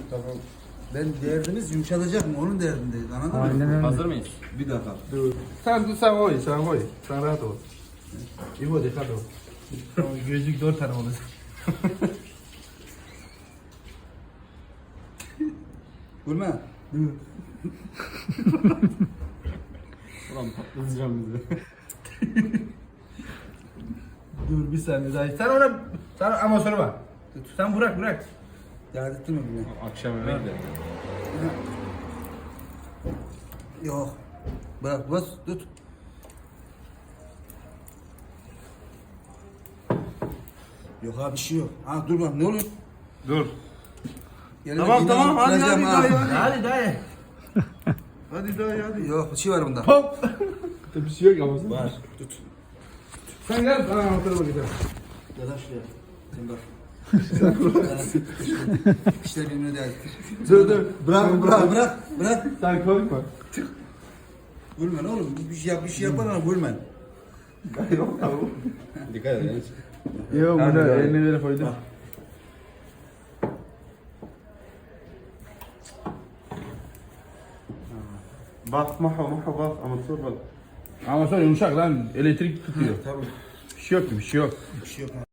Tamam. Ben derdimiz yumuşatacak mı? Onun derdindeyiz. Anladın mı? Aynen öyle. Hazır mıyız? Bir dakika. Dur. Sen koy, sen koy. Sen rahat ol. İbo dikkat ol. Gözlük 4 tane olacak. Gülme. Ulan patlatacağım bizi. Dur bir saniye daha. Sen ama sonra bak. Sen bırak. Dert ettin mi bunu? Akşam yemeği de. Yok. Bırak bas tut. Yok abi bir şey yok. Ha dur bak ne oluyor? Dur. Yerine Tamam iğne tamam hadi kıracağım hadi ha. hadi. Hadi dayı. Yok bir şey var bunda. Hop. Bir şey yok ama sen. Var. Tut. Sen gel bana anahtarı gidelim. Ya da şuraya. Sen bak. İşte birbirine değerlidir. Dur. Bırak. Sen korkma. Gülmen oğlum. Bir şey yapar ama gülmen. Yok tamam. Dikkat edin. Yok Hadi bunu dayı. eline verip koydum. Bak. Bak maha bak ama sor bak. Ama sonra yumuşak lan elektrik tutuyor. Tabii. Bir şey yok. Bir şey yok.